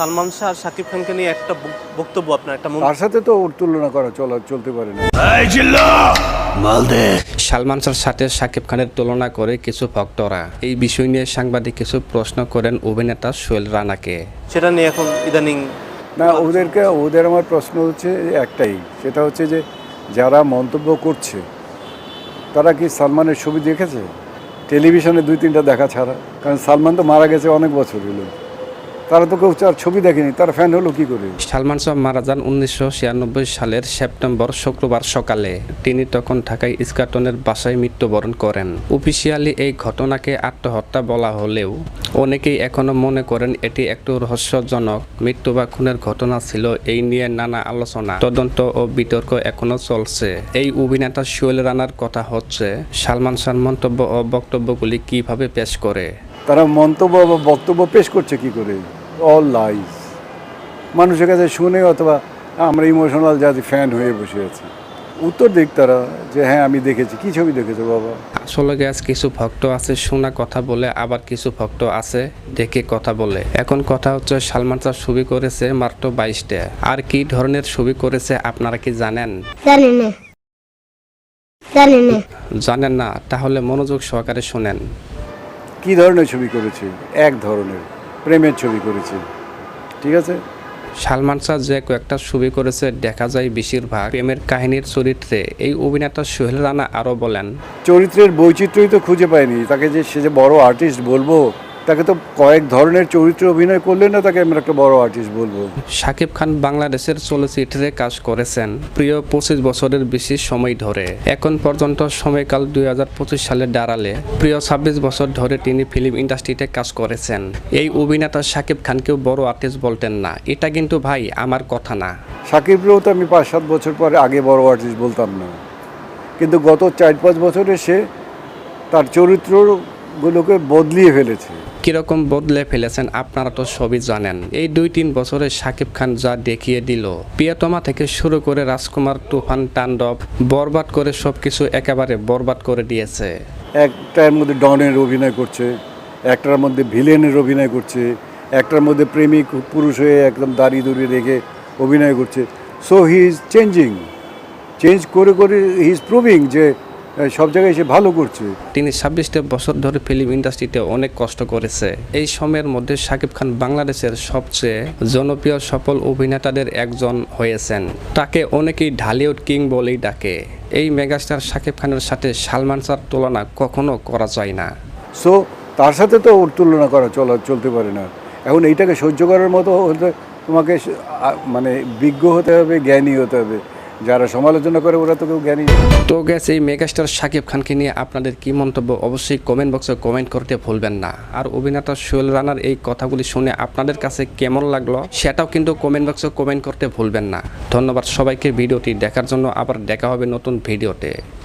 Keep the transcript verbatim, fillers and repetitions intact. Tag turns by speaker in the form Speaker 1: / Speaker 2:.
Speaker 1: সালমান শাহ আর শাকিব খানকে নিয়ে একটা বক্তব্য আপনার একটা
Speaker 2: তার সাথে তো ওর তুলনা করা চলা চলতে পারে না।
Speaker 3: সালমান শাহর সাথে শাকিব খানের তুলনা করে কিছু ভক্তরা এই বিষয় নিয়ে সাংবাদিক কিছু প্রশ্ন করেন অভিনেতা সোহেল রানাকে।
Speaker 1: সেটা নিয়ে এখন ইদানিং
Speaker 2: না, ওদেরকে ওদের আমার প্রশ্ন হচ্ছে একটাই, সেটা হচ্ছে যে যারা মন্তব্য করছে তারা কি সালমানের ছবি দেখেছে? টেলিভিশনে দুই তিনটা দেখা ছাড়া, কারণ সালমান তো মারা গেছে অনেক বছর হলো, তারা তো কেউ তার ছবি দেখেনি, তার ফ্যান হলো কি করে?
Speaker 3: সালমান শাহ মারা যান উনিশশো ছিয়ানব্বই সালের সেপ্টেম্বর শুক্রবার সকালে। তিনি তখন ঢাকায় ইস্কাটনের বাসায় মৃত্যুবরণ করেন। অফিসিয়ালি এই ঘটনাকে আত্মহত্যা বলা হলেও অনেকেই এখনো মনে করেন এটি একটু রহস্যজনক মৃত্যু বা খুনের ঘটনা ছিল। এই নিয়ে নানা আলোচনা, তদন্ত ও বিতর্ক এখনো চলছে। এই অভিনেতা সোহেল রানার কথা হচ্ছে, সালমান শাহর মন্তব্য ও বক্তব্যগুলি কিভাবে পেশ করে।
Speaker 2: তারা মন্তব্য বা বক্তব্য পেশ করছে কি করে? All lies. মানুষের কাছে শুনে অথবা আমরা ইমোশনাল জাতি ফ্যান হয়ে বসে আছি। উত্তর দিক তারা যে হ্যাঁ আমি দেখেছি। কি ছবি দেখেছো বাবা?
Speaker 3: আসলে গ্যাস কিছু ভক্ত আছে শোনা কথা বলে, আবার কিছু ভক্ত আছে দেখে কথা বলে। এখন কথা হচ্ছে সালমান শাহ ছবি করেছে মাত্র বাইশটা। আর কি ধরনের ছবি করেছে আপনারা কি জানেন?
Speaker 4: জানেন না জানেন না
Speaker 3: জানেন না? তাহলে মনোযোগ সহকারে শুনেন।
Speaker 2: কি ধরনের ছবি করেছে? এক ধরনের প্রেমের ছবি করেছে, ঠিক আছে।
Speaker 3: সালমান শাহ যে কয়েকটা ছবি করেছে দেখা যায় বেশিরভাগ প্রেমের কাহিনীর চরিত্রে। এই অভিনেতা সোহেল রানা আরও বলেন,
Speaker 2: চরিত্রের বৈচিত্র্যই তো খুঁজে পাইনি। তাকে যে সে যে বড় আর্টিস্ট বলবো, তাকে তো কয়েক ধরনের চরিত্রে অভিনয় করলে না তাকে আমরা একটা বড় আর্টিস্ট বলবো।
Speaker 3: শাকিব খান বাংলাদেশের চলচ্চিত্রে কাজ করেছেন প্রিয় পঁচিশ বছরের বেশি সময় ধরে। এখন পর্যন্ত সময়কাল দুই হাজার পঁচিশ সালে দাঁড়ালে প্রিয় ছাব্বিশ বছর ধরে তিনি ফিল্ম ইন্ডাস্ট্রিতে কাজ করেছেন। এই অভিনেতা শাকিব খানকেও বড় আর্টিস্ট বলতেন না, এটা কিন্তু ভাই আমার কথা না।
Speaker 2: সাকিবরেও তো আমি পাঁচ সাত বছর পরে আগে বড় আর্টিস্ট বলতাম না, কিন্তু গত চার পাঁচ বছরে সে তার চরিত্রগুলোকে বদলিয়ে ফেলেছে।
Speaker 3: কিরকম বদলে ফেলেছেন আপনারা তো সবই জানেন। এই দুই তিন বছরে শাকিব খান যা দেখিয়ে দিল, প্রিয়তমা থেকে শুরু করে রাজকুমার, তুফান, তাণ্ডব, বরবাদ করে সবকিছু একেবারে বরবাদ করে দিয়েছে।
Speaker 2: একটার মধ্যে ডনের অভিনয় করছে, একটার মধ্যে ভিলেনের অভিনয় করছে, একটার মধ্যে প্রেমিক পুরুষ হয়ে একদম দাঁড়িয়ে দড়িয়ে রেখে অভিনয় করছে। So he is changing, change করে করে হি ইজ প্রুভিং যে সব জায়গায় সে ভালো করছে।
Speaker 3: তিনি ছাব্বিশটা বছর ধরে ফিল্ম ইন্ডাস্ট্রিতে অনেক কষ্ট করেছে। এই সময়ের মধ্যে শাকিব খান বাংলাদেশের সবচেয়ে জনপ্রিয় সফল অভিনেতাদের একজন হয়েছেন। তাকে অনেকেই ঢালিউড কিং বলেই ডাকে। এই মেগাস্টার শাকিব খানের সাথে সালমান শাহর তুলনা কখনো করা যায় না।
Speaker 2: সো তার সাথে তো ওর তুলনা করা চলা চলতে পারে না। এখন এইটাকে সহ্য করার মতো হতে তোমাকে মানে বিজ্ঞ হতে হবে, জ্ঞানী হতে হবে। যারা সমালোচনা করে ওরা তো কেউ জ্ঞানী।
Speaker 3: তো গ্যাস, এই মেগাস্টার শাকিব খানকে নিয়ে আপনাদের কি মন্তব্য অবশ্যই কমেন্ট বক্সে কমেন্ট করতে ভুলবেন না। আর অভিনেতা সোহেল রানার এই কথাগুলি শুনে আপনাদের কাছে কেমন লাগলো সেটাও কিন্তু কমেন্ট বক্সে কমেন্ট করতে ভুলবেন না। ধন্যবাদ সবাইকে ভিডিওটি দেখার জন্য। আবার দেখা হবে নতুন ভিডিওতে।